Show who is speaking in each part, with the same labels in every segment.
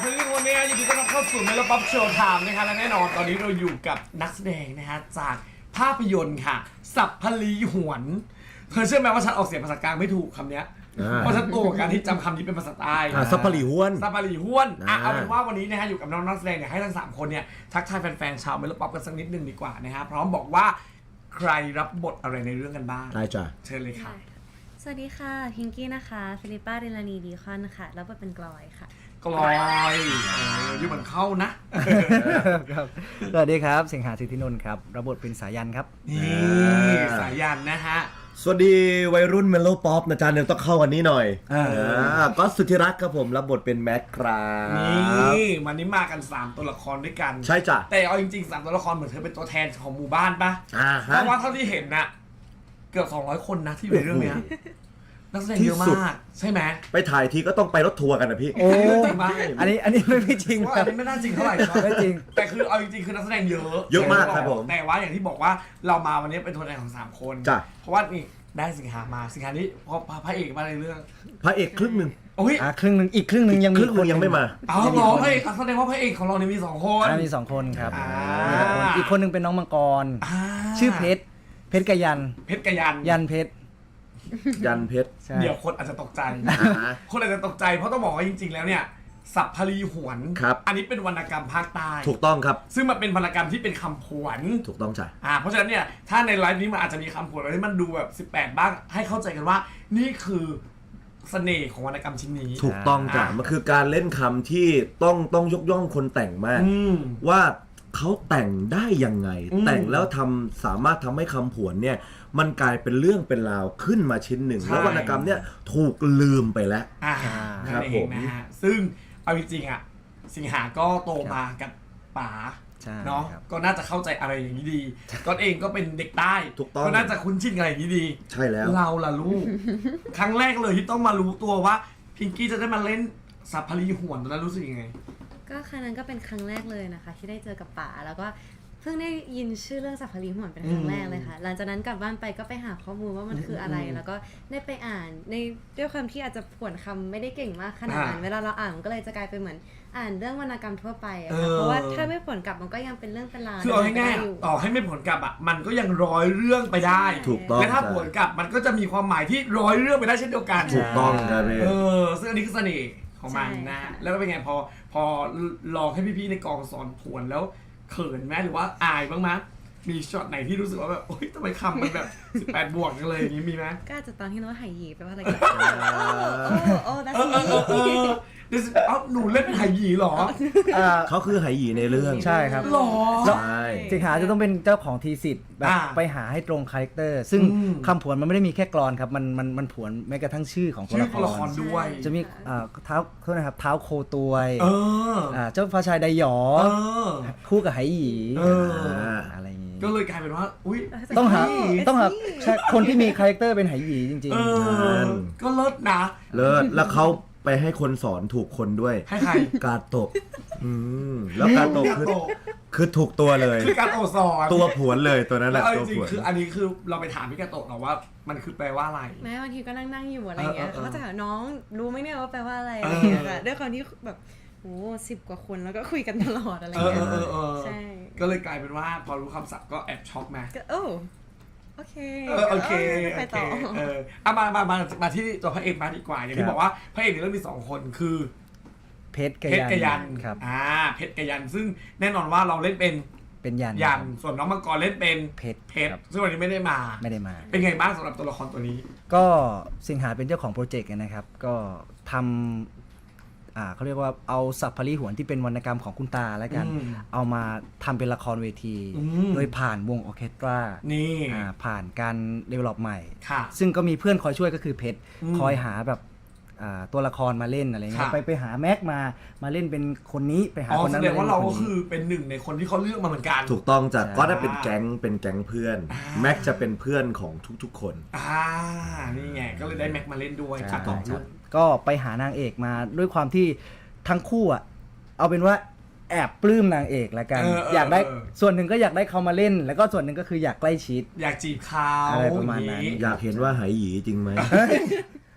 Speaker 1: สวัสดีทุกคนนะยินดีต้อนรับเข้าสู่เมโลป๊อปโชว์ไทม์นะคะและแน่นอนตอนนี้เราอยู่กับนักแสดงนะฮะจากภาพยนตร์ค่ะสัพพลีหวนเธอเชื่อไหมว่าฉันออกเสียงภาษากลางไม่ถูกคำนี้เพราะฉันโตกับการที่จำคำนี้เป็นภาษาใต้
Speaker 2: ซับพลีห้วน
Speaker 1: สัพพลีหวนเอาเป็นว่าวันนี้นะฮะอยู่กับน้องนักแสดงเนี่ยให้ทั้ง3คนเนี่ยทักทายแฟนๆชาวเมโลป๊อปกันสักนิดนึงดีกว่านะฮะพร้อมบอกว่าใครรับบทอะไรในเรื่องกันบ้าง
Speaker 2: ได้จ้ะ
Speaker 1: เชิญเลยค่ะ
Speaker 3: สวัสดีค่ะพิงกี้นะคะฟิลิปป้าเรลานีดีคอนค่ะแล้วบทเป็นกลอยค่ะ
Speaker 1: กลอยอยู่เหมือนเข้านะ
Speaker 4: ครับสวัสดีครับสิงหาสิทธินนท์ครับรับบทเป็นสายันครับ
Speaker 1: นี่สายันนะฮะ
Speaker 2: สวัสดีวัยรุ่นเมโลป๊อปนะจ๊ะเนี่ยต้องเข้ากันนี้หน่อยก็สุธิรักครับผมรับบทเป็นแม็กครับ
Speaker 1: นี่วันนี้มากัน3ตัวละครด้วยกัน
Speaker 2: ใช่จ้ะ
Speaker 1: แต่เอาจริงๆ3ตัวละครเหมือนเธอเป็นตัวแทนของหมู่บ้านปะ
Speaker 2: ฮะ
Speaker 1: เพราะว่าเท่าที่เห็นน่ะเกือบ200 คนนะที่อยู่ในเรื่องเนี้ยนักแสดงเยอะมากใช่ไหม
Speaker 2: ไปถ่ายทีก็ต้องไปรถทัวร์กันนะพี่
Speaker 4: โอ้
Speaker 1: จริงปะ
Speaker 4: อันนี้ไม่จริง
Speaker 1: ว่า
Speaker 4: ค
Speaker 1: อั
Speaker 4: รั
Speaker 1: น
Speaker 4: บ
Speaker 1: นี้ไม่น่าจริงเท่าไหร่นะ
Speaker 4: ไม่จริง
Speaker 1: แต่คือเอาจริงๆคือนักแสดงเยอะ
Speaker 2: เยอะมากครับผม
Speaker 1: แต่ว่าอย่างที่บอกว่าเรามาวันนี้เป็นตัวแทนของ3 คน
Speaker 2: จ้ะ
Speaker 1: เพราะว่านี่ได้สิงหามาสิงหานี้พระเอกมาในเรื่อง
Speaker 2: พระเอกครึ่งหนึ่ง
Speaker 1: โอ้ย
Speaker 4: ครึ่งหนึ่งอีกครึ่งหนึ่งยัง
Speaker 2: ค
Speaker 4: มี
Speaker 2: รึ่งหนึ่งยังไม่มา
Speaker 1: เอาเหรอพระเอกแสดงว่าพระเอกของเราเนี่ยมี2 คน
Speaker 4: มี2 คนครับ
Speaker 1: อ่า
Speaker 4: มี2 คนอีกคนหนึ่งเป็นน้องมังกร
Speaker 1: อ่า
Speaker 4: ชื่อเพชรกับยัน
Speaker 1: เพชรกับยัน
Speaker 4: ยันเพชร
Speaker 2: ยันเพชร
Speaker 4: ใช่
Speaker 1: เดี๋ยวคนอาจจะตกใจ คนอาจจะตกใจเพราะต้องบอกว่าจริงๆแล้วเนี่ยสัพพลีหวน
Speaker 2: ครับ
Speaker 1: อันนี้เป็นวรรณกรรมภาคใต้
Speaker 2: ถูกต้องครับ
Speaker 1: ซึ่งมันเป็นวรรณกรรมที่เป็นคำผวน
Speaker 2: ถูกต้องจ้ะ
Speaker 1: เพราะฉะนั้นเนี่ยถ้าในไลฟ์นี้มันอาจจะมีคำผวนอะไรที่มันดูแบบ18บ้างให้เข้าใจกันว่านี่คือเสน่ห์ของวรรณกรรมชิ้นนี้
Speaker 2: ถูกต้องจ้ะมันคือการเล่นคำที่ต้องยกย่องคนแต่งมาก
Speaker 1: อืม
Speaker 2: ว่าเขาแต่งได้ยังไง
Speaker 1: อืม
Speaker 2: แต่งแล้วสามารถทำให้คำผวนเนี่ยมันกลายเป็นเรื่องเป็นราวขึ้นมาชิ้นหนึ่ง
Speaker 1: ใช่
Speaker 2: แล้ววรรณกรรมเนี่ยถูกลืมไปแล้ว
Speaker 1: นั่
Speaker 2: ครับ
Speaker 1: นเอ
Speaker 2: ผ
Speaker 1: ง
Speaker 2: ม
Speaker 1: นะฮะซึ่งเอาจริงๆอ่ะสิงหาก็โตมากับป๋า
Speaker 4: ใช่
Speaker 1: เนาะ
Speaker 4: ครับ
Speaker 1: ก็น่าจะเข้าใจอะไรอย่างนี้ดีก็เองก็เป็นเด็กใต้
Speaker 2: ถูกต้อง
Speaker 1: ก็น่าจะคุ้นชินกับอะไรอย่างนี้ดี
Speaker 2: ใช่แล้ว
Speaker 1: เราล่ะลูก ครั้งแรกเลยที่ต้องมารู้ตัวว่าพิงกี้จะได้มาเล่นสัพพลีหวนตอนนั้นรู้สึกยังไง
Speaker 3: ก็ครั้งนั้นก็เป็นครั้งแรกเลยนะคะ ที่ได้เจอกับป๋าแล้วก็เพิ่งได้ยินชื่อเรื่องสัพพลีหวนเป็นครั้งแรกเลยค่ะ หลังจากนั้นกลับบ้านไปก็ไปหาข้อมูลว่ามันคืออะไร แล้วก็ได้ไปอ่านในด้วยความที่อาจจะผวนคำไม่ได้เก่งมากขนาดนั้นเวลาเราอ่านมันก็เลยจะกลายเป็นเหมือนอ่านเรื่องวรรณกรรมทั่วไปอะค่ะเพราะว่าถ้าไม่ผวนกลับมันก็ยังเป็นเรื่องเป็นราว
Speaker 1: คือเอาง่าย
Speaker 3: อยู่
Speaker 1: ๆต่อให้ไม่ผลกลับอ่ะมันก็ยังร้อยเรื่องไปได้
Speaker 2: ถูกต้อง
Speaker 1: และถ้าผลกลับมันก็จะมีความหมายที่ร้อยเรื่องไปได้เช่นเดียวกัน
Speaker 2: ถูกต้องครับพี่
Speaker 1: ซึ่งอันนี้คือเสน่ห์ของมันนะแล้วก็เป็นไงพอลองให้พี่ๆในกองสอนผวนแล้วเขินไหมหรือว่าอายบ้างไหมมีช็อตไหนที่รู้สึกว่าแบบโอ๊ยทำไมคำมันแบบ18 บวกกันเลยอย่างนี้มีไหม
Speaker 3: ก็อาจจะตอนที่เราหายหยีไปว่าอะไรกันโอ้ that's
Speaker 1: เดี๋ยวเอ้าหนูเล่นเป็นไหหยีเหรอ
Speaker 2: เขาคือไหหยีในเรื่อง
Speaker 4: ใช่ครับ
Speaker 1: หรอ
Speaker 2: ใช่
Speaker 4: สิงหาจะต้องเป็นเจ้าของทีสิทธิ์แบบ
Speaker 1: อ่า
Speaker 4: ไปหาให้ตรงคาแรคเตอร์ซึ่ง
Speaker 1: อืม
Speaker 4: คำผวนมันไม่ได้มีแค่กลอนครับมันผวนแม้กระทั่งชื่อของตัว
Speaker 1: ชื่อ
Speaker 4: ละค
Speaker 1: ตัวละค
Speaker 4: ร
Speaker 1: รด้วย
Speaker 4: จะมีเท้าโทษนะครับเท้าโคตวย
Speaker 1: เออ
Speaker 4: เจ้าฟ้าชายไดหยอ
Speaker 1: เออ
Speaker 4: คู่กับไหหยี
Speaker 1: เออ
Speaker 4: อะไรอย่างงี้
Speaker 1: ก็เลยกลายเป็นว่าอุ้ย
Speaker 4: ต้องหา
Speaker 3: It's
Speaker 4: ต้องหา
Speaker 3: me
Speaker 4: ใช่คนที่มีคาแรคเตอร์เป็นไหหยีจริง
Speaker 1: เออก็เลิศนะ
Speaker 2: เลิศแล้วเขาไปให้คนสอนถูกคนด้วย
Speaker 1: ให้ใคร
Speaker 2: กาโตะแล้วกาโตะคือถูกตัวเลย
Speaker 1: คือการโอสอน
Speaker 2: ตัวผวนเลยตัวนั้นแห
Speaker 1: แล้ว
Speaker 2: ละ
Speaker 1: เอาจ
Speaker 2: ตัว
Speaker 1: ริง
Speaker 2: ผวน
Speaker 1: ๆคืออันนี้คือเราไปถามพี่กาโตะหรอว่ามันคือแปลว่าอะไร
Speaker 3: แม้บางทีก็นั่งอยู่อะไรเงี้ย
Speaker 1: เออ
Speaker 3: เขาก็จะถามน้องรู้ไหมเนี่ยว่าแปลว่าอะไรอะไรเงี้ยค่ะด้วยความที่แบบโห10 กว่าคนแล้วก็คุยกันตลอดอะไรเงี้ยใช่
Speaker 1: ก็เลยกลายเป็นว่าพอรู้คำศัพท์ก็แอบช็อกมา
Speaker 3: ก็โอ้โอเค
Speaker 1: โอเค
Speaker 3: ไป
Speaker 1: โอเค
Speaker 3: ต่อ
Speaker 1: เอามาที่ตัวพระเอกมาดีกว่าอย่างที่บอกว่าพระเอกในเรื่องมี2 คนคือ
Speaker 4: เพชร
Speaker 1: เพชรกับยัน
Speaker 4: ครับ
Speaker 1: เพชรกับยันซึ่งแน่นอนว่าเราเล่นเป็น
Speaker 4: เป็นยัน
Speaker 1: ยัน
Speaker 4: ครับ
Speaker 1: ส่วนน้องมังกรเล่นเป็น
Speaker 4: เพชร
Speaker 1: เพชร
Speaker 4: ครับ
Speaker 1: ซึ่งวันนี้ไม่ได้มา
Speaker 4: ไม่ได้มา
Speaker 1: เป็นไงบ้างสำหรับตัวละครตัวนี้
Speaker 4: ก็สิงหาเป็นเจ้าของโปรเจกต์นะครับ ก็ทำเขาเรียกว่าเอาสัพพลีหวนที่เป็นวรรณกรรมของคุณตาแล้วกัน
Speaker 1: อืม
Speaker 4: เอามาทำเป็นละครเวที
Speaker 1: อืม
Speaker 4: โดยผ่านวงออร์เคสตรา
Speaker 1: นี่
Speaker 4: ผ่านการเดเวล็อปใหม่
Speaker 1: ค่ะ
Speaker 4: ซึ่งก็มีเพื่อนคอยช่วยก็คือเพชร
Speaker 1: อืม
Speaker 4: คอยหาแบบตัวละครมาเล่นอะไรเงี้
Speaker 1: ค่ะ
Speaker 4: ยไปหาแม็กมาเล่นเป็นคนนี้ไปหา
Speaker 1: อ๋อ
Speaker 4: คน
Speaker 1: แส
Speaker 4: นั้น
Speaker 1: ดงว่าเราก็
Speaker 4: มล่นน
Speaker 1: คื
Speaker 4: นี้
Speaker 1: อเป็นหนึ่งในคนที่เขาเลือกมาเหมือนกัน
Speaker 2: ถูกต้องจ้ะ
Speaker 4: ใช่
Speaker 2: ก็ได้เป็นแก๊งเพื่อน แม็กจะเป็นเพื่อนของทุกๆคน
Speaker 1: นี่ไงก็เลยได้แม็กมาเล่นด้วย
Speaker 4: ใช่
Speaker 1: ค่ะต่อ
Speaker 4: ค
Speaker 1: ลู
Speaker 4: รับ
Speaker 1: ก
Speaker 4: ก็ไปหานางเอกมาด้วยความที่ทั้งคู่เอาเป็นว่าแอบปลื้มนางเอกแล้วกัน อยากได้ส่วนหนึ่งก็อยากได้เขามาเล่น แล้วก็ส่วนหนึ่งก็คืออยากใกล้ชิด
Speaker 1: อยากจีบเขา
Speaker 4: อะไรประมาณนั้น
Speaker 1: อย่ง
Speaker 2: อยากเห็นว่าไหหยีจริงไหม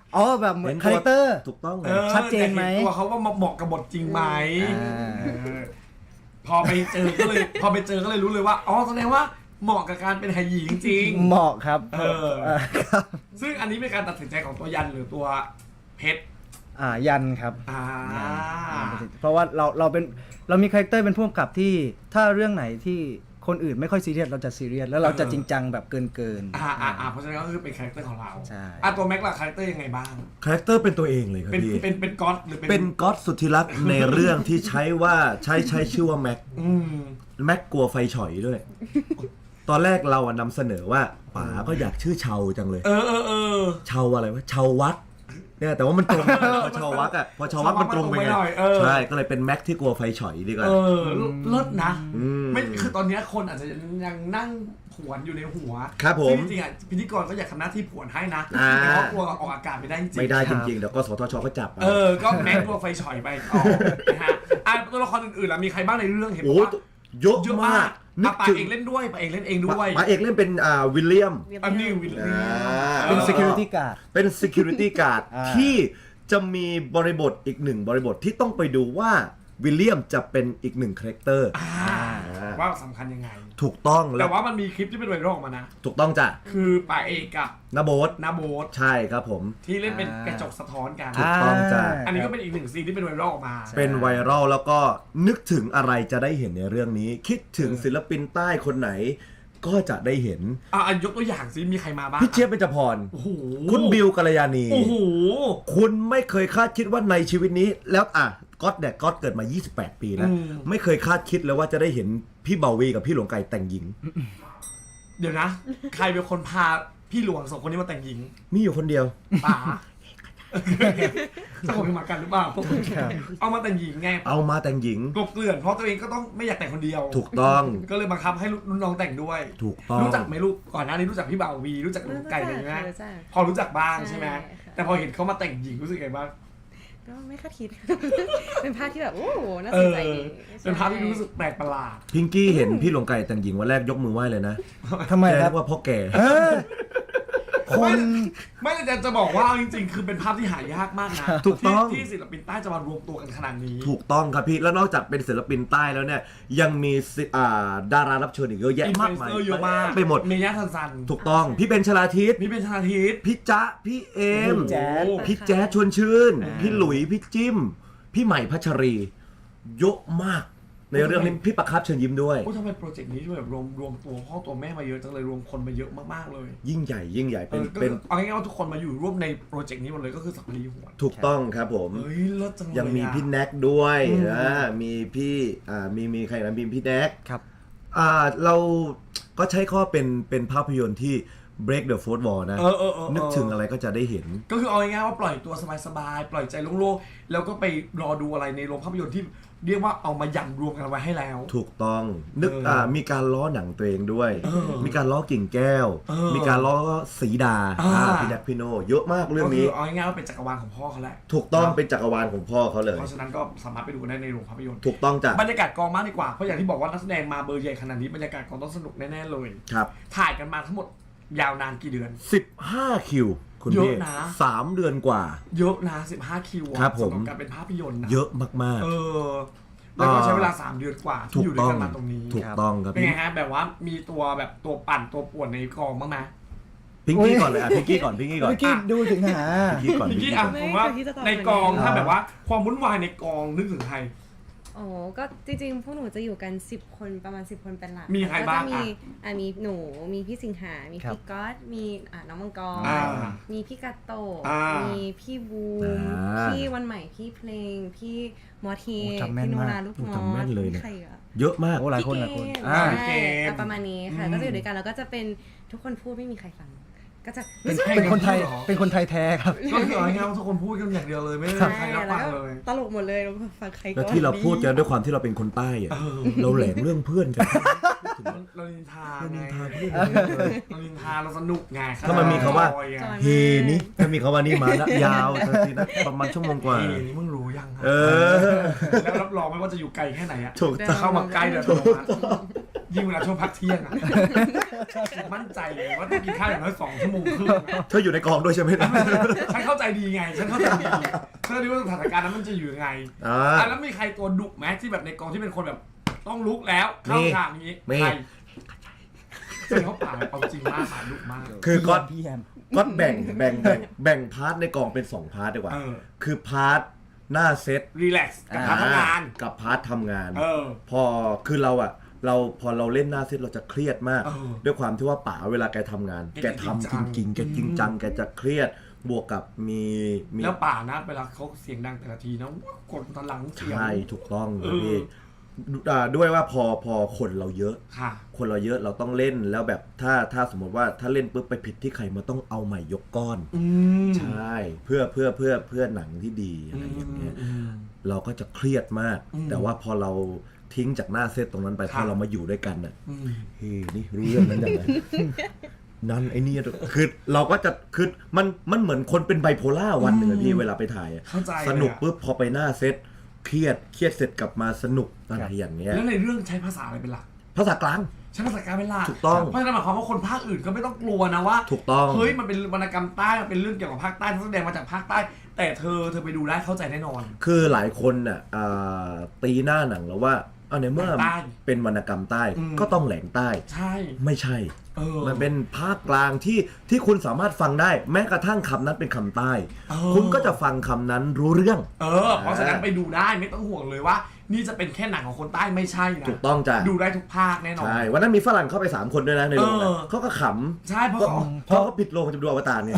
Speaker 4: อ๋อแบบเหมือน
Speaker 2: เห็น
Speaker 4: คาแรคเตอร์
Speaker 2: ถูกต้องเล
Speaker 1: เอย อ
Speaker 4: ชัดเจนไหม
Speaker 1: แต่ห็ตัวเขาว่าเหมาะกับบทจริงไหม
Speaker 4: อ่า
Speaker 1: เออพอไปเจอก็เลยรู้เลยว่าอ๋อแสดงว่าเหมาะกับการเป็นไหหญิงจริง
Speaker 4: เหมาะครับ
Speaker 1: เออ
Speaker 4: ครับ
Speaker 1: ซึ่งอันนี้เป็นการตัดสินใจของตัวยันหรือตัวเพชร
Speaker 4: ยันครับ
Speaker 1: อ่า
Speaker 4: เพราะว่าเรามีคาแรคเตอร์เป็นผู้กำกับที่ถ้าเรื่องไหนที่คนอื่นไม่ค่อยซีเรียสเราจะซีเรียสแล้วเราจะจริงจังแบบเกิน
Speaker 1: เพราะฉะนั้นก็คือเป็นคาแรคเตอร์ของเรา
Speaker 4: ใช่
Speaker 1: ตัวแม็กล่ะคาแรคเตอร์ยังไงบ้าง
Speaker 2: คาแรคเตอร์เป็นตัวเองเลยครับ
Speaker 1: เป็น
Speaker 2: พี่
Speaker 1: เป็นก๊อตหรือ
Speaker 2: เป็นก๊อตสุดที่รัก ในเรื่องที่ใช้ชื่อว่าแม็ก
Speaker 1: อืม
Speaker 2: แม็กกลัวไฟฉอยด้วย ตอนแรกเราอะนำเสนอว่าป๋าก็อยากชื่อเชาจังเลย
Speaker 1: เออ
Speaker 2: เชาอะไรวะเชาวัดเนี่ยแต่ว่ามันตรงพอเชาวัดอะพอเชาวัดมันตรงไปไง
Speaker 1: หน่อยเออ
Speaker 2: ใช่ก็เลยเป็นแม็กที่กลัวไฟฉอยดีกว่า
Speaker 1: เออเลิศนะ
Speaker 2: ม
Speaker 1: ไม่คือตอนเนี้ยคนอาจจะยังนั่งผวนอยู่ในหัว
Speaker 2: ครับผม
Speaker 1: ซึ่งจริงๆอ่ะพิธีกรก็อยากทำหน้าที่ผวนให้นะ
Speaker 2: อ่า
Speaker 1: แต่ว่ากลัวออกอากาศไม่ได้จริงๆ
Speaker 2: ไม่ได้จริงๆเดี๋ยวก็สทชก็จับเอา
Speaker 1: ก็แม็กตัวไฟฉอยไปต่อนะฮะตัวละครอื่นๆล่ะมีใครบ้างในเรื่องเห็นบ
Speaker 2: โอ้
Speaker 1: อกว่า
Speaker 2: เยอะ
Speaker 1: เยอะ
Speaker 2: มาม
Speaker 1: าก ก
Speaker 2: นึก
Speaker 1: ปา
Speaker 2: ถึง
Speaker 1: เอกเล่นด้วยปาเอกเล่นเองด้วย
Speaker 2: ป๋าเอกเล่นเป็นวิลเลียม
Speaker 1: อันนี้วิลเลียม
Speaker 4: ๆ เป็น security guard
Speaker 2: เป็น security guard
Speaker 4: อ่า
Speaker 2: ที่จะมีบริบทอีกหนึ่งบริบทที่ต้องไปดูว่าวิลเลียมจะเป็นอีกหนึ่งคาแรคเตอร์
Speaker 1: ว่าสำคัญยังไง
Speaker 2: ถูกต้องแล้
Speaker 1: แต่
Speaker 2: ว
Speaker 1: ว่ามันมีคลิปที่เป็นไวรัลออกมานะ
Speaker 2: ถูกต้องจ้ะ
Speaker 1: คือปาเอกกับ
Speaker 2: นาโบท
Speaker 1: นาโบท
Speaker 2: ใช่ครับผม
Speaker 1: ที่เล่นเป็นกระจกสะท้อนกัน
Speaker 2: ถูกต้องจ้ะ
Speaker 1: อันนี้ก็เป็นอีกหนึ่งซีนที่เป็นไวรัลออกมา
Speaker 2: เป็นไวรัลแล้วก็นึกถึงอะไรจะได้เห็นในเรื่องนี้ คิดถึงศิลปินใต้คนไหน ก็จะได้เห็น
Speaker 1: ยกตัวอย่างซิมีใครมาบ้าง
Speaker 2: พี่เจี๊ยบเบญจพร
Speaker 1: โอ้โห
Speaker 2: คุณบิวกัลยาณี
Speaker 1: โอ้โห
Speaker 2: คุณไม่เคยคาดคิดว่าในชีวิตนี้แล้วก๊อตเนี่ยก๊อตเกิดมา 28 ปีแล้ว ไม่เคยคาดคิดเลยว่าจะได้เห็นพี่เบาวีกับพี่หลวงไก่แต่งหญิง
Speaker 1: เดี๋ยวนะ ใครเป็นคนพาพี่หลวงสองคนนี้มาแต่งหญิง
Speaker 2: มีอยู่คนเดียว
Speaker 1: ป๋าสองคนมากันหรือเปล่าเอามาแต่งหญิงไง
Speaker 2: เอามาแต่งหญิง
Speaker 1: กลบเกลื่อนเพราะตัวเองก็ต้องไม่อยากแต่งคนเดียว
Speaker 2: ถูกต้อง
Speaker 1: ก็เลยบังคับให้รุ่นน้องแต่งด้วย
Speaker 2: ถูกต้อง
Speaker 1: รู้จักไหมลูกก่อนหน้านี้รู้จักพี่บ่าววีรู้จักลุงไก่อะไรไหม
Speaker 3: รู้จัก
Speaker 1: พอรู้จักบ้างใช่ไหม
Speaker 3: ใช่ค่ะ
Speaker 1: แต่พอเห็นเขามาแต่งหญิงรู้สึกไงบ้าง
Speaker 3: ก็ไม่คาดคิด เป็นภาพที่แบบโอ้โหน่า
Speaker 1: เอ
Speaker 3: สน
Speaker 1: อ
Speaker 3: ใจดี
Speaker 1: เป็นภาพที่รู้สึกแปลกประหลาด
Speaker 2: พิงกี้เห็นพี่หลวงไก่แต่งหญิงวันแรกยกมือไหว้เลยนะ
Speaker 4: ทำไม
Speaker 2: แก
Speaker 4: ค
Speaker 2: เรี
Speaker 4: รับ
Speaker 2: ยกว่าพ่อแก่
Speaker 4: คน
Speaker 1: ไม่แต่จะบอกว่าจริงๆ คือเป็นภาพที่หายากมากนะ
Speaker 2: ถูกต้อง
Speaker 1: ที่ศิลปินใต้จะมารวมตัวกันขนาดนี้
Speaker 2: ถูกต้องครับพี่ แล้วนอกจากเป็นศิลปินใต้แล้วเนี่ยยังมีดารารับเชิญอีกเยอะแยะ
Speaker 1: อินฟ
Speaker 2: มา
Speaker 1: ลู
Speaker 2: ก
Speaker 1: เอน
Speaker 2: มาย
Speaker 1: เซอร์เยอะมาก
Speaker 2: ไปหมด
Speaker 1: เมย่าทันซัน
Speaker 2: ถูกต้องพี่เบนชลาทิศ
Speaker 1: มีเป็นชนาทิศ
Speaker 2: พี่จ๊ะพี่เอม
Speaker 1: โอ้โห
Speaker 4: แจ๊ด
Speaker 2: พี่แจ๊ดชวนชื่น พี่หลุยพี่จิ้ม พี่ใหม่พัชรีเยอะมาก ในเรื่องนี้พี่ประคับเชิญยิ้มด้วย
Speaker 1: โอ้ทำไมโปรเจกต์นี้ช่วยแบบรวมตัวพ่อตัวแม่มาเยอะจังเลยรวมคนมาเยอะมากๆเลย
Speaker 2: ยิ่งใหญ่เป็น
Speaker 1: ก็
Speaker 2: เป็น
Speaker 1: เอาง่ายๆว่าทุกคนมาอยู่ร่วมในโปรเจกต์นี้หมดเลยก็คือสักรีหัวน
Speaker 2: ถูกต้องครับผม
Speaker 1: เฮ้ยเลิศจังเลย
Speaker 2: ยังมี
Speaker 1: อะ
Speaker 2: พี่แน็กด้วยมีพี่มีใครนะมีพี่แน็ก
Speaker 4: ครับ
Speaker 2: เราก็ใช้ข้อเป็นภาพยนตร์ที่ break the fourth wall นะ นึกถึงอะไรก็จะได้เห็น
Speaker 1: ก็คือเอาง่ายๆว่าปล่อยตัวสบายๆปล่อยใจโล่งๆแล้วก็ไปรอดูอะไรในโรงภาพยนตร์ที่เรียกว่าเอามายันรวมกันไว้ให้แล้ว
Speaker 2: ถูกต้องนึกมีการล้อหนังตัวเองด้วย
Speaker 1: เออ
Speaker 2: มีการล้อกิ่งแก้ว
Speaker 1: เออ
Speaker 2: มีการล้อสีดา
Speaker 1: อ่า
Speaker 2: พี่แน็กพี่โนเยอะมากเรื่อง
Speaker 1: ก็คื
Speaker 2: นี้
Speaker 1: อเอาง่ายๆว่าเป็นจักรวาลของพ่อเขาแหละ
Speaker 2: ถูกต้องเป็นจักรวาลของพ่อเขาเลย
Speaker 1: เพราะฉะนั้นก็สามารถไปดูกันได้ในโรงภาพยนตร์
Speaker 2: ถูกต้องจ้ะ
Speaker 1: บรรยากาศกองมากดีกว่าเพราะอย่างที่บอกว่านักแสดงมาเบอร์ใหญ่ขนาดนี้บรรยากาศกองต้องสนุกแน่ๆเลย
Speaker 2: ครับ
Speaker 1: ถ่ายกันมาทั้งหมดยาวนานกี่เดือน
Speaker 2: 15 คิว คุณ
Speaker 1: เยอะ
Speaker 2: พี่
Speaker 1: นะ
Speaker 2: 3 เดือนกว่า
Speaker 1: เยอะนะ15 คิวอะ
Speaker 2: ครับผม
Speaker 1: สำหรับการเป็นภาพยนตร์นะ
Speaker 2: เยอะมาก
Speaker 1: แล้วก็ใช้เวลา3 เดือนกว่า
Speaker 2: ๆ
Speaker 1: ที่
Speaker 2: ถู
Speaker 1: อก ยู่ด้ว
Speaker 2: ต้
Speaker 1: ย
Speaker 2: อง
Speaker 1: กันมาตรงนี้
Speaker 2: ถูกต้องครับ
Speaker 1: เป็น
Speaker 2: พี่
Speaker 1: ไงฮะแบบว่ามีตัวแบบตัวปั่นตัวป่วนในกองบ้างไหม
Speaker 2: พิงกี้ก่อนเลยพิงกี้ก่อน
Speaker 4: เมื่อกี้ดูถึงหา
Speaker 2: พิงกี้ก่อน
Speaker 1: พี่
Speaker 2: พิง
Speaker 1: กี้
Speaker 2: กี้
Speaker 1: อ่ะ
Speaker 2: ก่อน
Speaker 1: ผมว่า
Speaker 3: ไม่เคยที่จะตอบ
Speaker 1: ในกอง
Speaker 3: เลย
Speaker 1: ถ้าแบบว่าความวุ่นวายในกองนึกถึงใคร
Speaker 3: โอ้ก็จริงๆ พวกหนูจะอยู่กัน10 คนประมาณ10 คนเป็นหลัก
Speaker 1: มีใครบ้าง
Speaker 3: ก็จะมี
Speaker 1: อ่ะ
Speaker 3: มีหนูมีพี่สิงหา มี
Speaker 4: ครับ
Speaker 3: พี่ก๊อตมีน้องมังกร
Speaker 1: อ่า
Speaker 3: มีพี่กาโตะ
Speaker 1: อ่ามี
Speaker 3: มีพี่บูม พี่วันใหม่พี่เพลง พี่มอเท
Speaker 4: โอ้จำแม่น
Speaker 3: พี่โน
Speaker 4: มาก
Speaker 3: ราลูกมอ
Speaker 2: จำแม่นเลย
Speaker 3: มี
Speaker 2: เนี่ย
Speaker 3: ใครอ่ะ
Speaker 2: เยอะมาก
Speaker 4: โอ้หลายคนหลายคน
Speaker 3: พี่เกม
Speaker 4: อ่า
Speaker 1: พี่เกม
Speaker 3: ใช่ประมาณนี้ค่ะ
Speaker 1: อืม
Speaker 3: ก็จะอยู่ด้วยกันแล้วก็จะเป็นทุกคนพูดไม่มีใครฟัง ก็จะ
Speaker 4: เป็นคนไทย เป็นคนไทยแท้ครับ
Speaker 1: ก็คือเอาง่ายๆว่าทุกคนพูดกันอย่างเดียวเลยไม่ได้มีใครรับฟังเลย
Speaker 3: ตลกหมดเลยเราฟังใครก็
Speaker 2: แล้วที่เราพูดกันด้วยความที่เราเป็นคนใต้อะเราแหลมเรื่องเพื่อนกัน
Speaker 1: เรานินทา
Speaker 2: เรา
Speaker 1: ไง
Speaker 2: นินทาเพื่อน
Speaker 1: เรานินทาเราสนุกไง
Speaker 2: ถ้ามันมีคำว่า
Speaker 1: จอยไง
Speaker 2: เฮนี่ถ้ามีคำว่านี้มาแล้วยาวทันทีนะประมาณชั่วโมงกว่า
Speaker 1: เฮ้ยนี่มึงรู้ยังฮะ
Speaker 2: เออ
Speaker 1: แล้วรับรองไม่ว่าจะอยู่ไกลแค่ไหนอะ
Speaker 2: ถูก
Speaker 1: จะ
Speaker 2: ต้อง
Speaker 1: เข้ามาใกล้เดี๋ยวโดนยิ่งเวลาช่วงพักเที่ยงอ่ะมั่นใจเลยว่าต้องกินข้าวอย่างน้อย2 ชั่วโมงครึ่ง
Speaker 2: เธออยู่ในกองด้วยใช่ไหมนะ
Speaker 1: ฉันเข้าใจดีไงฉันเข้าใจดีฉันรู้ว่าสถานการณ์นั้นมันจะอยู่ยังไง
Speaker 2: อ่า
Speaker 1: แล้วมีใครตัวดุไหมที่แบบในกองที่เป็นคนแบบต้องลุกแล้วเข้าฉากนี้
Speaker 2: มี
Speaker 1: ใครเสียงเขาป่าเอาจริงมากป่าดุมาก
Speaker 2: คือก๊อต
Speaker 4: พี่แฮม
Speaker 2: ก็แบ่งพาร์ทในกองเป็น2พาร์ทดีกว่า
Speaker 1: เออ
Speaker 2: คือพาร์ทหน้าเซต
Speaker 1: รีแลกซ์กับการทำงาน
Speaker 2: กับพาร์ททำงาน
Speaker 1: เออ
Speaker 2: พอคือพอเราเล่นหน้าเซตเราจะเครียดมาก
Speaker 1: เออ
Speaker 2: ด้วยความที่ว่าป๋าเวลาแกทำงาน
Speaker 1: แก
Speaker 2: แกทำจริงๆแกจริงจังแกจะเครียดบวกกับมี
Speaker 1: แล้วป่านะเวลาเขาเสียงดังแต่ละทีนะกดพลังเสียง
Speaker 2: ใช่ถูกต้อง
Speaker 1: เออ
Speaker 2: พี่ด้วยว่าพอคนเราเยอะ
Speaker 1: ค่ะ
Speaker 2: คนเราเยอะเราต้องเล่นแล้วแบบถ้าสมมติว่าถ้าเล่นปุ๊บไปผิดที่ใครมันต้องเอาใหม่ยกก้อน
Speaker 1: อืม
Speaker 2: ใช่เพื่อหนังที่ดีอะไรอย่างเงี้ย เราก็จะเครียดมาก
Speaker 1: อืม
Speaker 2: แต่ว่าพอเราทิ้งจากหน้าเซตตรงนั้นไป
Speaker 1: ครั
Speaker 2: พ
Speaker 1: บ
Speaker 2: อเรามาอยู่ด้วยกันน่ะ
Speaker 1: อืม
Speaker 2: เฮ้ยนี่รู้เรื่องนั้นยังไง นั่นไอ้นี่คือเราก็จะคือมันเหมือนคนเป็นไบโพล่าวันหนึ่งอะพี่เวลาไปถ่ายอะ
Speaker 1: เข้าใจ
Speaker 2: สนุก
Speaker 1: เลยอะ
Speaker 2: ปุ๊บพอไปหน้าเซตเครียดเสร็จกลับมาสนุกอะไรอย่างเงี้ย
Speaker 1: แล้วในเรื่องใช้ภาษาอะไรเป็นหลัก
Speaker 2: ภาษากลาง
Speaker 1: ใช้ภาษากลางเป็นหลัก
Speaker 2: ถูกต้อง
Speaker 1: เพราะฉะนั้นหมายความว่าคนภาคอื่นก็ไม่ต้องกลัวนะว่า
Speaker 2: ถูกต้อง
Speaker 1: เฮ้ยมันเป็นวรรณกรรมใต้มันเป็นเรื่องเกี่ยวกับภาคใต้นักแสดงมาจากภาคใต้ แต่เธอไปดูได้เข้าใจแน่นอน
Speaker 2: คือหลายคนน่ะตีหน้าหนังแล้วว่าในเมื่อ
Speaker 1: ใต้
Speaker 2: เป็นวรรณกรรมใต้
Speaker 1: อืม
Speaker 2: ก็ต้องแหลงใต้
Speaker 1: ใช่
Speaker 2: ไม่ใช่
Speaker 1: เออ
Speaker 2: มันเป็นภาคกลางที่คุณสามารถฟังได้ แม้กระทั่งคำนั้นเป็นคำใต้
Speaker 1: เออ
Speaker 2: คุณก็จะฟังคำนั้นรู้เรื่อง
Speaker 1: เพราะฉะนั้นไปดูได้ไม่ต้องห่วงเลยว่า นี่จะเป็นแค่หนังของคนใต้ไม่ใช่นะ
Speaker 2: ถูกต้องจ้ะ
Speaker 1: ดูได้ทุกภาคแน่นอน
Speaker 2: ใช่วันนั้นมีฝรั่งเข้าไป3 คนด้วยนะในโรงนะ
Speaker 1: เออ
Speaker 2: เขาก็ข
Speaker 1: ใช่เพ
Speaker 2: ำ
Speaker 1: ราะเขา
Speaker 2: เพราะเขาปิดโรงจะไปดูอวตารเนี่ย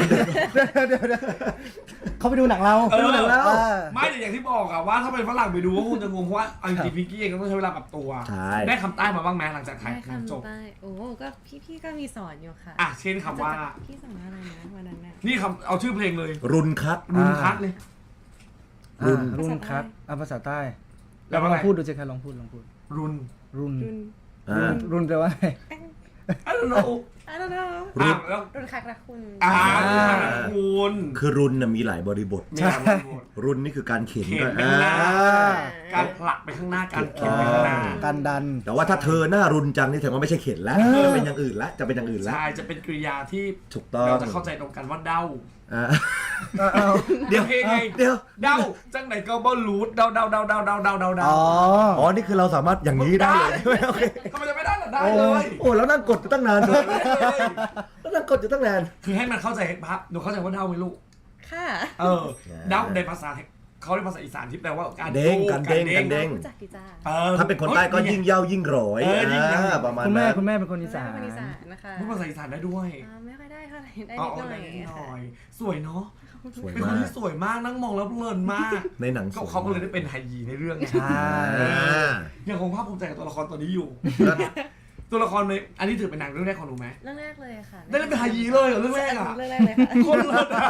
Speaker 4: เขาไปดูหนังเรา
Speaker 1: เออ
Speaker 2: ดูหนังแล้ว
Speaker 1: ไม่แต่อย่างที่บอกอะว่าถ้าเป็นฝรั่งไปดูก็คงจะงงเพราะว่าเอาจริงๆพิงกี้เองก็ต้องใช้เวลาปรับตัว
Speaker 2: ใช่
Speaker 1: ได้คำใต้มาบ้างไหมหลังจากถ่าย
Speaker 3: ได้
Speaker 1: หนังจบ
Speaker 3: คำใต้โอ้ก็พี่ก็มีสอนอยู่ค่ะ
Speaker 1: อ่ะเช่นคำว่า
Speaker 3: พี่สอนว่าอะไรนะวันนั้นน่ะ
Speaker 1: นี่คำเอาชื่อเพลงเลย
Speaker 2: รุนคัด
Speaker 1: รุนคัดเลย
Speaker 4: รุ่นครับภาษาใต้
Speaker 1: แล้
Speaker 4: แล้ว ว
Speaker 1: ว่า
Speaker 4: ล
Speaker 1: ไง
Speaker 4: องพูดดูสิครับลองพูด
Speaker 1: รุน
Speaker 4: รุ่น
Speaker 3: รุน
Speaker 2: อ่า
Speaker 4: รุ่นแปลว่าไง
Speaker 1: I don't know
Speaker 3: I don't know
Speaker 2: รุน
Speaker 1: แล้ว
Speaker 3: รุนคักรักคุณ
Speaker 1: คุณ
Speaker 2: คือรุนน่ะมีหลายบริบท
Speaker 1: มีอะไรบ้าง
Speaker 2: รุนนี่คือการเข็น
Speaker 1: เข็น
Speaker 2: ด้วย
Speaker 1: ไปข้างหน้า
Speaker 2: อ่า
Speaker 1: การผลักไปข้างหน้าการเข็นไปข้างหน้า
Speaker 4: การดัน
Speaker 2: แต่ว่าถ้าเธอหน้ารุนจังนี่แสดงว่าไม่ใช่เข็นแล้วจะเป็นอย่างอื่นละจะเป็นอย่างอื่นละ
Speaker 1: ใช่จะเป็นกริยาที่
Speaker 2: ถูกต้อง
Speaker 1: เราจะเข้าใจตรงกันว่าเด้า
Speaker 2: อ่า
Speaker 4: เอา
Speaker 2: เดี๋ยว
Speaker 1: เพลงไง
Speaker 2: เดี๋ยว
Speaker 1: เด้าจังไหนก็บ่รู้เด้า
Speaker 4: อ๋อ
Speaker 2: อ๋อนี่คือเราสามารถอย่างนี้ได้เลยโอเค
Speaker 1: ทำไมจะไม่ได้ล่ะได้เลย
Speaker 2: โอ้แล้วนั่งกดอยู่ตั้งนานเลยแล้วนั่งกดอยู่ตั้งนาน
Speaker 1: คือให้มันเข้าใจภาพหนูเข้าใจว่าเด้าไหมลูก
Speaker 3: ค่ะ
Speaker 1: เด้าในภาษาเขาเรียกภาษาอีสานที่แปลว่าการ
Speaker 2: เด้งกันเด้งกันเด้ง
Speaker 3: รู้จักดีจ้า
Speaker 2: ถ้าเป็นคนใต้ก็ยิ่งเย้ายิ่งร้อย
Speaker 1: ยิ่งเย้า
Speaker 2: ประมาณ
Speaker 4: คุณแม่
Speaker 2: นั้น
Speaker 4: คุณแม่เป็นคนอีสาน
Speaker 3: เป็นคนอีสานนะคะ
Speaker 1: พูดภาษาอีสานได้ด้วย
Speaker 3: ไม่ค่อยได้เท่าไหร่ได้
Speaker 1: อ๋อ
Speaker 3: นิดหน่
Speaker 1: ได้
Speaker 3: อย
Speaker 1: นิดห
Speaker 3: ค่ะ
Speaker 1: น่อย สวยเนาะ
Speaker 2: สวย
Speaker 1: เป็นค
Speaker 2: มาน ก
Speaker 1: ที่สวยมากนั่งมองแล้วเพลินมาก
Speaker 2: ในหนังส
Speaker 1: ก็
Speaker 2: วย
Speaker 1: เขาก็เลยได้เป็นไฮยีในเรื่องไง
Speaker 4: ใช่
Speaker 1: ยังคงภาคภูมิใจกับตัวละครตัวนี้อยู่ ตัวละครในอันนี้ถือเป็นหนังเรื่องแรกของหนูไหม
Speaker 3: เรื่องแรกเลยค่ะ
Speaker 1: ได้เล่นเป็นไฮยีเลยเหรอเรื่องแรกอ่ะ
Speaker 3: เรื่องแรกเลยค่ะ
Speaker 1: คนเลิศอะ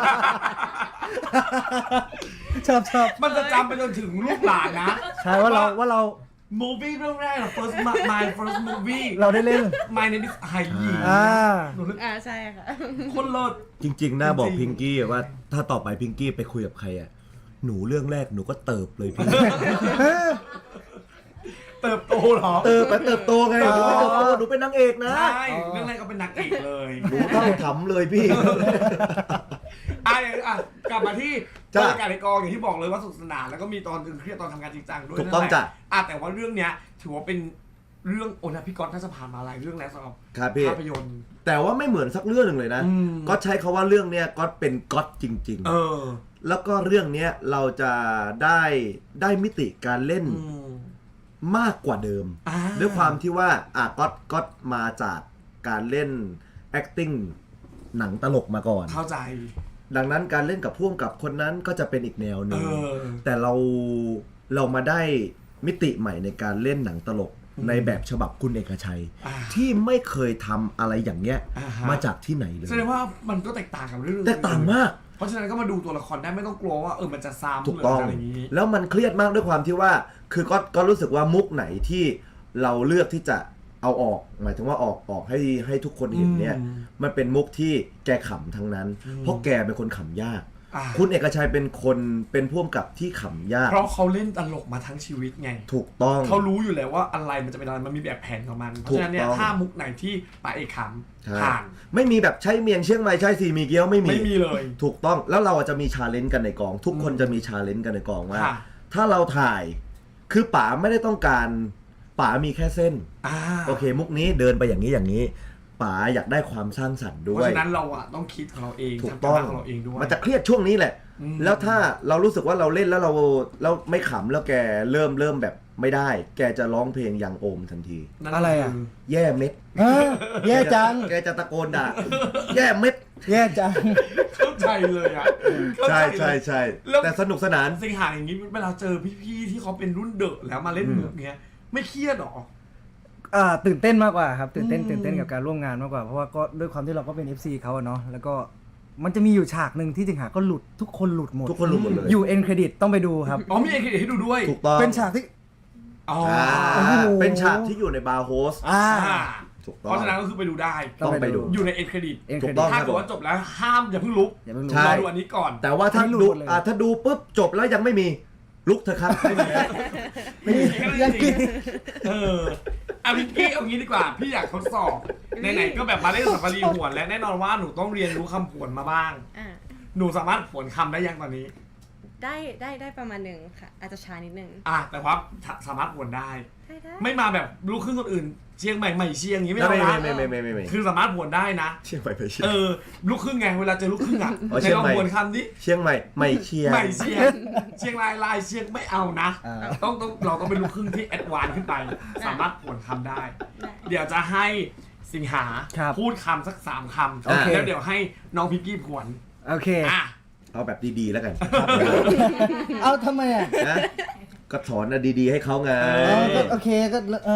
Speaker 4: ชอบ
Speaker 1: มันจะจำไปจนถึงลูกหลานนะ
Speaker 4: ใช่ว่าเรา
Speaker 1: movie เรื่องแรกอะ my first movie
Speaker 4: เราได้เล่น
Speaker 1: my name is ไฮยี หนูเล่น
Speaker 3: ใช่ค่ะ
Speaker 1: คนเลิศ
Speaker 2: จริงๆน่าบอก
Speaker 1: จริ
Speaker 2: พิ
Speaker 1: ง
Speaker 2: งกี้ว่าถ้าต่อไปพิงกี้ไปคุยกับใครอ่ะหนูเรื่องแรกหนูก็เติบเลยพี่
Speaker 1: เติบโตเหรอ
Speaker 2: เติบโตไงหนูไม่เติบโตหนูเป็นนางเอกนะ
Speaker 1: ใช่เรื่องแรกก็เป็นนางเอกเลย
Speaker 2: หนูต้องทำเลยพี่
Speaker 1: อ่ะกลับมาที่บร
Speaker 2: จ้ะ
Speaker 1: รยากาศในกองอย่างที่บอกเลยว่าสนุกสนานแล้วก็มีตอนตึงเครียดตอนทำงานจริงจังด้วย
Speaker 2: ถูกต้อง
Speaker 1: นั่นแหละ
Speaker 2: จ้ะ
Speaker 1: แต่ว่าเรื่องเนี้ยถือว่าเป็นเรื่องโอนะพี่ก๊อตน่าจะผ่านมาหลายเรื่องแล้วสำหรับ
Speaker 2: ครับพี่
Speaker 1: ภาพยนตร์
Speaker 2: แต่ว่าไม่เหมือนสักเรื่องหนึ่งเลยนะ
Speaker 1: อืม
Speaker 2: ก็ใช้คาว่าเรื่องเนี้ยก็เป็นก๊อตจริง
Speaker 1: เออ
Speaker 2: ๆ แล้วก็เรื่องเนี้ยเราจะได้มิติการเล่น
Speaker 1: อืม
Speaker 2: มากกว่าเดิม
Speaker 1: อ่า
Speaker 2: ด้วยความที่ว่าก๊อตมาจากการเล่น acting หนังตลกมาก่อน
Speaker 1: เข้าใจ
Speaker 2: ดังนั้นการเล่นกับพ่วงกับคนนั้นก็จะเป็นอีกแนวห
Speaker 1: เอ
Speaker 2: นึ่ง
Speaker 1: อ
Speaker 2: แต่เรามาได้มิติใหม่ในการเล่นหนังตลก
Speaker 1: อืม
Speaker 2: ในแบบฉบับคุณเอกชัย
Speaker 1: อ่า
Speaker 2: ที่ไม่เคยทำอะไรอย่างเงี้ย
Speaker 1: อ่าฮะ
Speaker 2: มาจากที่ไหนเลย
Speaker 1: แสดงว่ามันก็แตกต่างกับเรื่องอื่น
Speaker 2: แตกต่างมาก
Speaker 1: เพราะฉะนั้นก็มาดูตัวละครได้ไม่ต้องกลัวว่ามันจะซ้ำห
Speaker 2: ถูก
Speaker 1: รือ
Speaker 2: ต้อง
Speaker 1: อะไรอย่างนี้
Speaker 2: แล้วมันเครียดมากด้วยความที่ว่าคือก็รู้สึกว่ามุกไหนที่เราเลือกที่จะเอาออก หมายถึงว่าออกให้ทุกคนเห็นเนี่ย
Speaker 1: อืม
Speaker 2: มันเป็นมุกที่แกขำทั้งนั้น
Speaker 1: อืม
Speaker 2: เพราะแกเป็นคนขำยาก
Speaker 1: อ่า
Speaker 2: คุณเอกชัยเป็นคนเป็นผู้กำกับที่ขำยาก
Speaker 1: เพราะเขาเล่นตลกมาทั้งชีวิตไง
Speaker 2: ถูกต้อง
Speaker 1: เขารู้อยู่แล้วว่าอะไรมันจะเป็นอะไรมันมีแบบแผนของมันเพราะฉะนั้นเนี่ย
Speaker 2: ถูกต้อง
Speaker 1: ถ้ามุกไหนที่ป๋าเอกข
Speaker 2: ใช่
Speaker 1: ำผ่าน
Speaker 2: ไม่มีแบบใช้เมียงเชียงใหม่ใช้สีมีเกี๊ยวไม่มี
Speaker 1: ไม่มีเลย
Speaker 2: ถูกต้องแล้วเราจะมีชาเลนจ์กันในกอง ทุกคนจะมีชาเลนจ์กันในกองว่า
Speaker 1: ค่ะ
Speaker 2: ถ้าเราถ่ายคือป๋าไม่ได้ต้องการป๋ามีแค่เส้น
Speaker 1: อ่า
Speaker 2: โอเค มุกนี้เดินไปอย่างนี้อย่างนี้ป๋าอยากได้ความสร้างสรรค์ด้
Speaker 1: เพ
Speaker 2: วย
Speaker 1: ราะฉะนั้นเราอะต้องคิดของเราเอง
Speaker 2: ถูก
Speaker 1: ทำ
Speaker 2: ต้อง
Speaker 1: การบ้านของเราเองด้วย
Speaker 2: มันจะเครียดช่วงนี้แหละ
Speaker 1: อืม
Speaker 2: แล้วถ้าเรารู้สึกว่าเราเล่นแล้วเราไม่ขำแล้วแกเริ่มแบบไม่ได้ แกจะร้องเพลงยังโอมทันที
Speaker 1: นั่น
Speaker 4: อะไรอะ
Speaker 1: คื
Speaker 2: แย่เม็ด
Speaker 4: ฮะแย่จัง
Speaker 2: แกจะตะโกนด่าแย่เม็ด
Speaker 4: แย่จัง
Speaker 1: เข้าใจเลยอะเข้า
Speaker 2: ใช่
Speaker 1: เลย
Speaker 2: ใช่
Speaker 1: แล้ว
Speaker 2: แต่สนุกสนาน
Speaker 1: สิงหาอย่างนี้เวลาเจอพี่ๆที่เขาเป็นรุ่นเดอะแล้วมาเล่นมุกเนี้ยไม่เครียดหรอ
Speaker 4: ตื่นเต้นมากกว่าครับตื่นเต้น
Speaker 1: อืม
Speaker 4: ตื่นเต้นกับการร่วมงานมากกว่าเพราะว่าก็ด้วยความที่เราก็เป็น FC เขาอะเนาะแล้วก็มันจะมีอยู่ฉากหนึ่งที่สิงหาก็หลุดทุกคนหลุดหมด
Speaker 2: ทุกคนรู้หมดเลย
Speaker 4: อยู่เอ็นเครดิตต้องไปดูครับ
Speaker 1: อ๋อมีเอกให้ดูด้วย
Speaker 2: ถูกต้อง
Speaker 4: เป็นฉากที่
Speaker 1: อ๋อ
Speaker 4: โอ้โห
Speaker 2: เป็นฉากที่อยู่ในบาร์โฮส
Speaker 1: อ่า
Speaker 2: ถูกต้อง
Speaker 1: เพราะฉะนั้นก็คือไปดูได้
Speaker 2: ต้องไปดู
Speaker 1: อยู่ในเอ็นเครดิต
Speaker 4: เอ็นเค
Speaker 2: ถู
Speaker 4: ร
Speaker 2: ก
Speaker 4: ดิ
Speaker 2: ต้อ
Speaker 4: ต
Speaker 2: ง
Speaker 1: ถ้าเกิดว่าจบแล้วห้ามอย่าเพิ่งลุก
Speaker 4: อย่าเพิ่งรู้
Speaker 2: ใช่
Speaker 1: รอดูอันนี้ก่อน
Speaker 2: แต่ว่าถ้า
Speaker 4: อันนี้หลุ
Speaker 2: ดู
Speaker 4: ดหมดเลย
Speaker 2: ถ้าดูปุ๊บจบแล้วยังไม่มีลุกเถอะครับไม่มี
Speaker 1: ยังกินเอาพิงกี้เอางี้ดีกว่า พี่อยากทดสอบไหนๆก็แบบมาเล่นสัปปะรีหวนและแน่นอนว่าหนูต้องเรียนรู้คำผวนมาบ้าง
Speaker 3: อ่า
Speaker 1: หนูสามารถผวนคำได้ยังตอนนี้
Speaker 3: ได้ประมาณหนึ่งค่ะ อาจจะช้านิดนึง
Speaker 1: แต่ว่าสามารถผวนได้
Speaker 3: ได้
Speaker 1: ไม่มาแบบลูกครึ่งคนอื่น เชียงใหม่เชียงอย่างนี้ไม่เอา
Speaker 2: ไม่
Speaker 1: นะ
Speaker 2: ไม่
Speaker 1: คือสามารถผวนได้นะ
Speaker 2: เชียงใหม่ไปเชียง
Speaker 1: ลูกครึ่งไงเวลาเจอลูกครึ่งอ่ะ
Speaker 2: อ๋อ
Speaker 1: ใน
Speaker 2: เชียง
Speaker 1: ลอง
Speaker 2: ใหม่
Speaker 1: ผวนคำนี้
Speaker 2: เชียงใหม่ไม่เชียง
Speaker 1: ใหม่เชียงเชียงรายลายเชียงไม่เอานะ
Speaker 4: อ่า
Speaker 1: ต้องเราต้องเป็นลูกครึ่งที่แอดวานซ์ขึ้นไป สามารถผวนคำได้
Speaker 3: ได้
Speaker 1: เดี๋ยวจะให้สิงหา
Speaker 4: ครับ
Speaker 1: พูดคำสัก3 คำ
Speaker 4: โอเค
Speaker 1: แล้วเดี๋ยวให้น้องพิกกี้ผวน
Speaker 4: โอเค
Speaker 1: อ่ะ
Speaker 2: เอาแบบดีๆแล้วกัน
Speaker 4: เอาทำไมอ่ะ
Speaker 2: นะก็สอนนะดีๆให้เขาไง
Speaker 4: ก็โอเคก็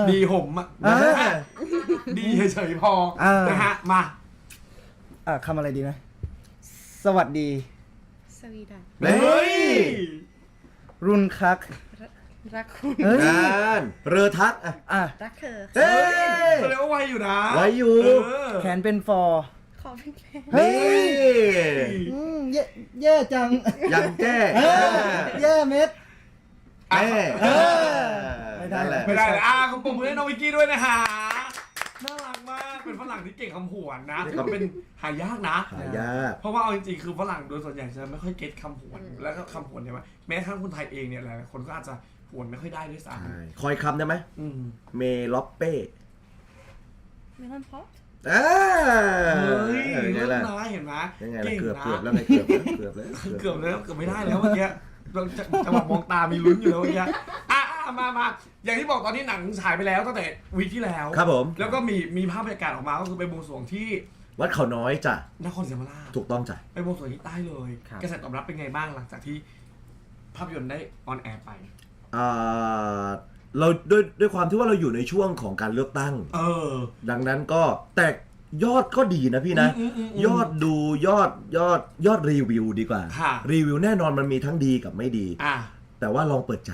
Speaker 1: ดีห่มอ่ะ
Speaker 2: อ่า
Speaker 1: ดีเฉยๆพอ
Speaker 4: เออ
Speaker 1: นะฮะมา
Speaker 4: คำอะไรดีนะ สวัสดี
Speaker 3: สวีดัน
Speaker 2: เฮ้ย
Speaker 4: รุนคัก
Speaker 3: รักคุณ
Speaker 4: เฮ้ย
Speaker 2: งานเรือทักอ่ะ
Speaker 4: อ่ะ
Speaker 3: รักเธอ
Speaker 2: เฮ้ย
Speaker 1: แสดงว่าไวอยู่นะ
Speaker 2: ไว้อยู่
Speaker 1: เออ
Speaker 4: แขนเป็นฟอร์
Speaker 3: ขอเป็นแฟน
Speaker 4: เฮ้
Speaker 2: นี่
Speaker 4: แย่จัง
Speaker 2: ยังแก้
Speaker 4: แย่เม็ด
Speaker 2: แม่
Speaker 4: ไม่ได้
Speaker 2: นั่นแหละ
Speaker 1: ไม่ได้เลยขอบคุณให้น้องวิกกี้ด้วยนะฮะน่ารักมากเป็นฝรั่งที่เก่งคำผวนนะถือว่าเป็นหายากนะ
Speaker 2: หายาก
Speaker 1: เพราะว่าเอาจริงๆ คือฝรั่งโดยส่วนใหญ่จะไม่ค่อยเก็ตคำผวน แล้วก็คำผวนเนี่ยว่าแม้กระทั่งคนไทยเองเนี่ยหลายๆคนก็อาจจะผวนไม่ค่อยได้ด้วยซ้
Speaker 2: ใช่คอยคำได้ไหม
Speaker 1: ำอืม
Speaker 2: เมล็อปเป้
Speaker 3: เมลอนพอป
Speaker 2: อ่า
Speaker 1: เฮ้ย
Speaker 2: ไง
Speaker 1: เลิศ
Speaker 2: ล่ะ
Speaker 1: นะเห็นไหม
Speaker 2: ยังไงล่ะ
Speaker 1: เก่ง
Speaker 2: เกือบ
Speaker 1: นะ
Speaker 2: แล้วไงเกือบแล้ว
Speaker 1: เกือบแล้วเกือบไม่ได้แล้วเมื่อกี้เราจังหวะมองตามีลุ้นอยู่แล้วเมื่อกี้มาอย่างที่บอกตอนนี้หนังฉายไปแล้วตั้งแต่วีคที่แล้ว
Speaker 2: ครับผม
Speaker 1: แล้วก็มีภาพบรรยากาศออกมาก็คือไปบวงสรวงที่
Speaker 2: วัดเขาน้อยจ้ะ
Speaker 1: นครศรีธรรมราช
Speaker 2: ถูกต้องจ้ะ
Speaker 1: ไปบวงสรวงที่ใต้เลย
Speaker 4: ครับ
Speaker 1: กระแสตอบรับเป็นไงบ้างหลังจากที่ภาพยนตร์ได้ออนแอร์ไป
Speaker 2: อ่าเราด้วยความที่ว่าเราอยู่ในช่วงของการเลือกตั้ง ดังนั้นก็แต่ยอดก็ดีนะพี่นะ ยอดดูยอดรีวิวดีกว่า
Speaker 1: ค่ะ
Speaker 2: รีวิวแน่นอนมันมีทั้งดีกับไม่ดี
Speaker 1: อ่ะ
Speaker 2: แต่ว่าลองเปิดใจ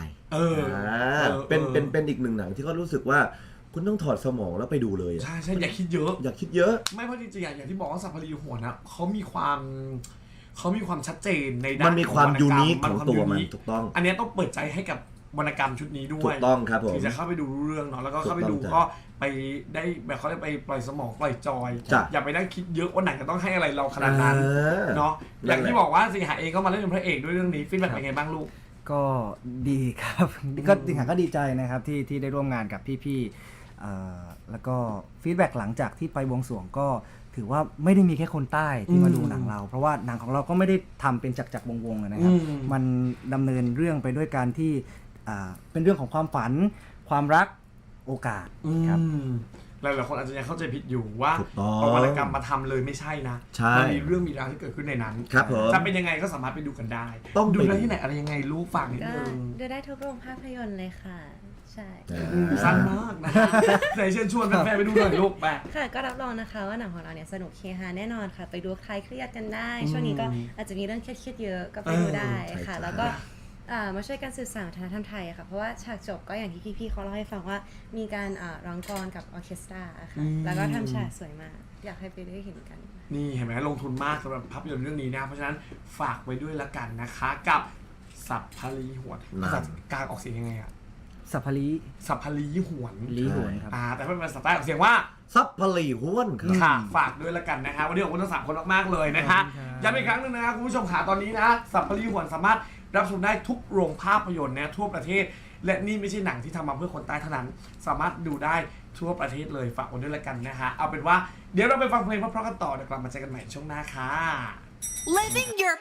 Speaker 2: เป็นอีกหนึ่งหนังที่ก็รู้สึกว่าคุณต้องถอดสมองแล้วไปดูเลยอะ
Speaker 1: ใช่อย่าคิดเยอะ
Speaker 2: อย่าคิดเยอะ
Speaker 1: ไม่เพราะจริงๆอย่างที่บอกว่าสัพพลีหัวนะเขามีความชัดเจนในด้าน
Speaker 2: มันมีความ
Speaker 1: รรณกรร
Speaker 2: ยูนิคของตัวมัน
Speaker 1: ยูค
Speaker 2: ถูกต้อง
Speaker 1: อันเนี้ยต้องเปิดใจให้กับวรรณกรรมชุดนี้ด้วย
Speaker 2: ถูกต้องครับผม
Speaker 1: ถึงจะเข้าไปดูรู้เรื่องเนาะแล้วก็เข้าไปดู
Speaker 2: ถูกต้อง
Speaker 1: ก็ไปได้แบบเขาได้ไปปล่อยสมองปล่อยจอย
Speaker 2: จ้ะ
Speaker 1: อย่าไปนั่งคิดเยอะว่าหนังจะต้องให้อะไรเราขนาดนั้น เนาะอย่างที่บอกว่าสิงหาเองก็มาเล่นเป็นพระเอกด้วยเรื่องนี้ฟีดแบ็กเป็นไงบ้างลูก
Speaker 4: ก็ดีครับ ก็สิงหาก็ดีใจนะครับที่ได้ร่วมงานกับพี่ๆแล้วก็ฟีดแบ็กหลังจากที่ไปบวงสรวงก็ถือว่าไม่ได้มีแค่คนใต้ที่มาดูหนังเรา เพราะว่าหนังของเราก็ไม่ได้ทำเป็นจักรวงๆนะครับ มันดำเนินเรื่องไปด้วยการที่เป็นเรื่องของความฝันความรักโอกาสครับ
Speaker 1: หลายๆคนอาจจะยังเข้าใจผิดอยู่ว่า
Speaker 2: ถูกต้อง
Speaker 1: เอาวรรณกรรมมาทำเลยไม่ใช่นะ
Speaker 2: ใช่
Speaker 1: มันมีเรื่องมีราวที่เกิดขึ้นในนั้น
Speaker 2: ครับผม
Speaker 1: จะเป็นยังไงก็สามารถไปดูกันได้
Speaker 2: ต้องไป
Speaker 1: ดูได้ที่ไหนอะไรยังไงลูกฝากนิด
Speaker 3: ก็
Speaker 1: นึง
Speaker 3: ดูได้ทุกโรงภาพยนตร์เลยค่ะ ใช่
Speaker 1: สั้นมากนะไหนเชิญชวนแฟนๆไปดูหน่อยลูกไป
Speaker 3: ค่ะก็รับรองนะคะว่าหนังของเราเนี่ยสนุกเฮฮาแน่นอนค่ะ ไปดูคลายเครียดกันได้ ช่วงนี้ก็อาจจะมีเรื่องเครียดๆเยอะก็ไปดูได้
Speaker 2: ใช่
Speaker 3: ค่ะ
Speaker 2: จ้ะ
Speaker 3: แล้วก็มาช่วยกันสื่อสารวัฒนธรรมไทยอะค่ะเพราะว่าฉากจบก็อย่างที่พี่ๆเขาเล่าให้ฟังว่ามีการร้องกลอนกับออร์เคสตราอะค่ะแล้วก็ทำฉากสวยมากอยากให้ไปได้เห็นกัน
Speaker 1: นี่เห็นไหมลงทุนมากสำหรับภาพยนตร์เรื่องนี้นะเพราะฉะนั้นฝากไว้ด้วยละกันนะคะกับสัพพลีหวนภาษากลางออกเสียงยังไงอะ
Speaker 4: สัพพลี
Speaker 1: สัพพลีหวน
Speaker 4: ลีหวนครับ
Speaker 1: แต่ถ้าเป็นภาษาใต้ออกเสียงว่า
Speaker 2: ซับพลีห้วนครับ
Speaker 1: ค่ะฝากด้วยละกันนะฮะวันนี้ขอบคุณทั้ง3คนมากๆเลยนะฮะ
Speaker 4: ขอบคุณครับ
Speaker 1: ย้ำอีกครั้งหนึงนะครับคุณผู้ชมขาตอนนี้นะสัพพลีหวนสามารถรับชมได้ทุกโรงภาพยนตร์นะทั่วประเทศ และนี่ไม่ใช่หนังที่ทำมาเพื่อคนใต้เท่านั้น สามารถดูได้ทั่วประเทศเลยฝากไว้ด้วยละกันนะฮะเอาเป็นว่าเดี๋ยวเราไปฟังเพลงเพราะๆกันต่อเดี๋ยวกลับมาเจอกันใหม่ช่วงหน้าค่ะ
Speaker 5: Living your